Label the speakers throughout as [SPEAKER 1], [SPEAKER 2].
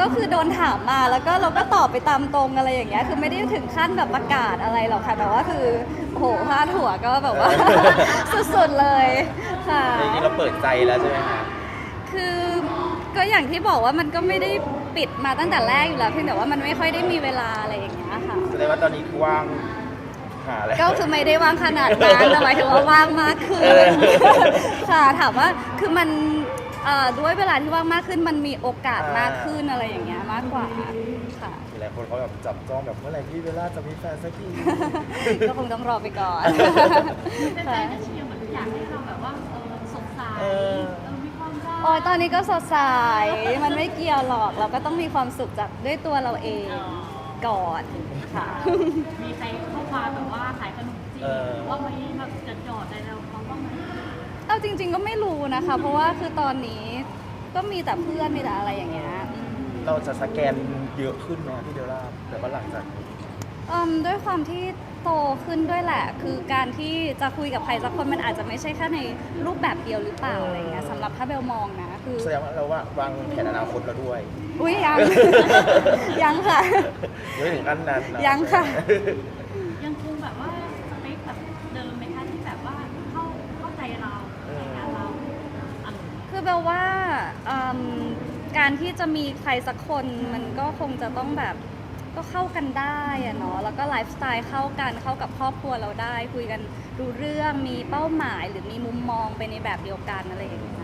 [SPEAKER 1] ก็คือโดนถามมาแล้วก็เราก็ตอบไปตามตรงอะไรอย่างเงี้ยคือไม่ได้ถึงขั้นแบบประกาศอะไรหรอกค่ะแต่ว่าคือโอ้โหพาดหัวก็แบบว่า สุดๆเลยค่ะ
[SPEAKER 2] จริงๆเราเปิดใจแล้วใช่ไหมคะ
[SPEAKER 1] คือก็อย่างที่บอกว่ามันก็ไม่ได้ปิดมาตั้งแต่แรกอยู่แล้วเพียงแต่ว่ามันไม่ค่อยได้มีเวลาอะไรอย่างเงี้ยค่ะ
[SPEAKER 2] แสดงว่าตอนนี้คือว่างหาอะไร
[SPEAKER 1] ก็คือไม่ได้ว่างขนาดนั้นแต่หมายถึงว่าว่างมากขึ้นค่ะถามว่าคือมันด้วยเวลาที่ว่างมากขึ้นมันมีโอกาสมากขึ้นอะไรอย่างเงี้ยมากกว่าค่ะ
[SPEAKER 2] หลายคนเขาแบบจับจ้องแบบเมื่อไหร่พี่เบลล่าจะมีแฟนสักที
[SPEAKER 1] ก็คงต้องรอไปก่อน
[SPEAKER 3] แฟนๆจะเชียร์เหมือนอยากให้เราแบบว่าสดใสมีความรัก
[SPEAKER 1] โอ้ยตอนนี้ก็สดใสมันไม่เกี่ยวหรอกเราก็ต้องมีความสุขจากด้วยตัวเราเองก่อนค่ะ
[SPEAKER 3] มีใครเข้ามาแบบว่าขายขนมจีนว่าไม่แบบจะจอดอะไรเราเขาบ้างไหม
[SPEAKER 1] เอาจริง ๆก็ไม่รู้นะคะ เพราะว่าคือตอนนี้ก็มีแต่เพื่อนมีแต่อะไรอย่างเงี้ย
[SPEAKER 2] เราจะสแกนเยอะขึ้นไหมพี่เบลล่าแต่ว่าหลังจากนี้
[SPEAKER 1] ด้วยความที่โตขึ้นด้วยแหละ คือการที่จะคุยกับใครสักคนมันอาจจะไม่ใช่แค่ในรูปแบบเดียวหรือเปล่าอะไรเงี้ยสำหรับถ้าเบลมองนะคือ
[SPEAKER 2] แสดงว่าเราว่าวางแผนอนาคตเราด้วย
[SPEAKER 1] อุ้ยยัง ยังค่ะ
[SPEAKER 2] ยังไม่ถึงขั้นนั้นนะ
[SPEAKER 1] ยังค่ะ
[SPEAKER 3] ยังคงแบบว่าสเปคแบบเดิมไหมคะที่แบบว่าเข้าใจเราในงานเราอะไร
[SPEAKER 1] คือเบลว่าการที่จะมีใครสักคนมันก็คงจะต้องแบบก็เข้ากันได้อะเนาะแล้วก็ไลฟ์สไตล์เข้ากันเข้ากับครอบครัวเราได้ คุยกันรู้เรื่องมีเป้าหมายหรือมีมุมมองไปในแบบเดียวกันอะไรอย่างเงี้ย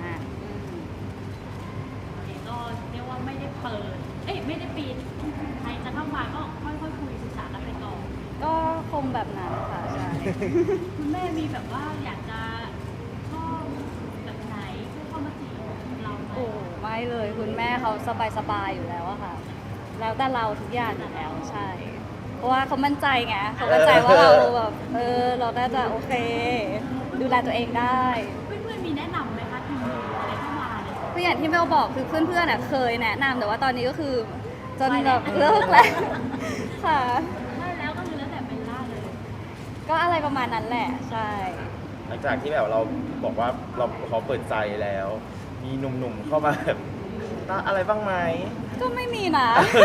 [SPEAKER 3] ก็เรียกว่าไม่ได้เปิดไม่ได้ปิดใครจะเข้ามาก็ค่อยๆคุยศึกษากันไปก่อน
[SPEAKER 1] ก็คงแบบนั้นค่ะใช่
[SPEAKER 3] คุณแม่มีแบบว่าอยากจะชอบแบบไหนเพื่อเข้ามาจีบเราไหม
[SPEAKER 1] โอ้ไม่เลยคุณแม่เขาสบายๆอยู่แล้วอะค่ะ แล้วแต่เราทุกอย่างอยู่แล้วใช่ เพราะว่าเขามั่นใจไงเขามั่นใจว่าเราแบบเราน่าจะโอเค ดูแลตัวเองได้
[SPEAKER 3] เพื่อนๆมีแนะนำไหมคะทีมอะไรเข้ามาเนี่ย
[SPEAKER 1] คืออย่างที่เบลบอกคือเพื่อนๆเคยแนะนำแต่ว่าตอนนี้ก็คือจนแบบเลิกแล้วค่ะ
[SPEAKER 3] ได้แล้วก็คือแล้วแต่เบลล่าเลย
[SPEAKER 1] ก็อะไรประมาณนั้นแหละใช่
[SPEAKER 2] หลังจากที่แบบเราบอกว่าเราเขาเปิดใจแล้ว มีหนุ่มๆเข้ามาแบบอะไรบ้างไหม
[SPEAKER 1] ก็ไม่มีนะ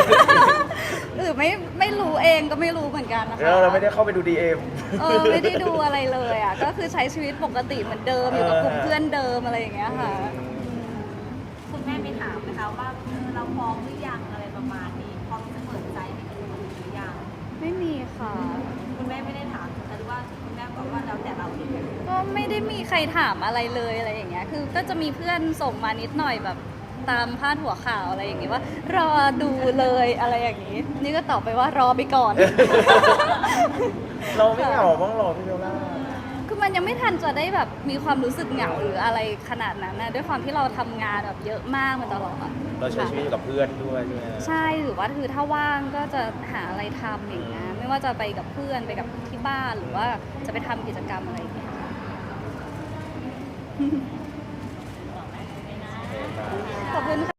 [SPEAKER 1] ไม่รู้เองก็ไม่รู้เหมือนกันนะคะ
[SPEAKER 2] แล้วเราไม่ได้เข้าไปดูดีเอ็ม
[SPEAKER 1] ไม่ได้ดูอะไรเลยอ่ะก็คือใช้ชีวิตปกติเหมือนเดิมอยู่กับกลุ่มเพื่อนเดิมอะไรอย่างเงี้ยค่ะ
[SPEAKER 3] คุณแม่ไปถามไหมคะว่าเราพร้อมหรือยังอะไรประมาณนี้พร้อมจะเปิดใจให้กับคนหรือยัง
[SPEAKER 1] ไม่มีค่ะ
[SPEAKER 3] คุณแม่ไม่ได้ถามแต่ว่าคุณแม่บอกว่าแล้วแต่เราเอง
[SPEAKER 1] ก็ไม่ได้มีใครถามอะไรเลยอะไรอย่างเงี้ยคือก็จะมีเพื่อนส่งมานิดหน่อยแบบตามพาดหัวข่าวอะไรอย่างเงี้ยว่ารอดูเลยอะไรอย่างงี้ นี่ก็ตอบไปว่ารอไปก่อน
[SPEAKER 2] เราไม่เหงาบ้างหรอพี่เบลล่า
[SPEAKER 1] คือมันยังไม่ทันจะได้แบบมีความรู้สึกเหงาหรืออะไรขนาดนั้นนะด้วยความที่เราทำงานแบบเยอะมากมาตลอด
[SPEAKER 2] เราใช้ชีวิตอยู่กับเพื่อนด้วยใช่ไหม
[SPEAKER 1] ใช่หรือว่าคือถ้าว่างก็จะหาอะไรทำอย่างเงี้ยไม่ว่าจะไปกับเพื่อนไปกับที่บ้านหรือว่าจะไปทำกิจกรรมอะไรอย่างเงี้ยค่ะ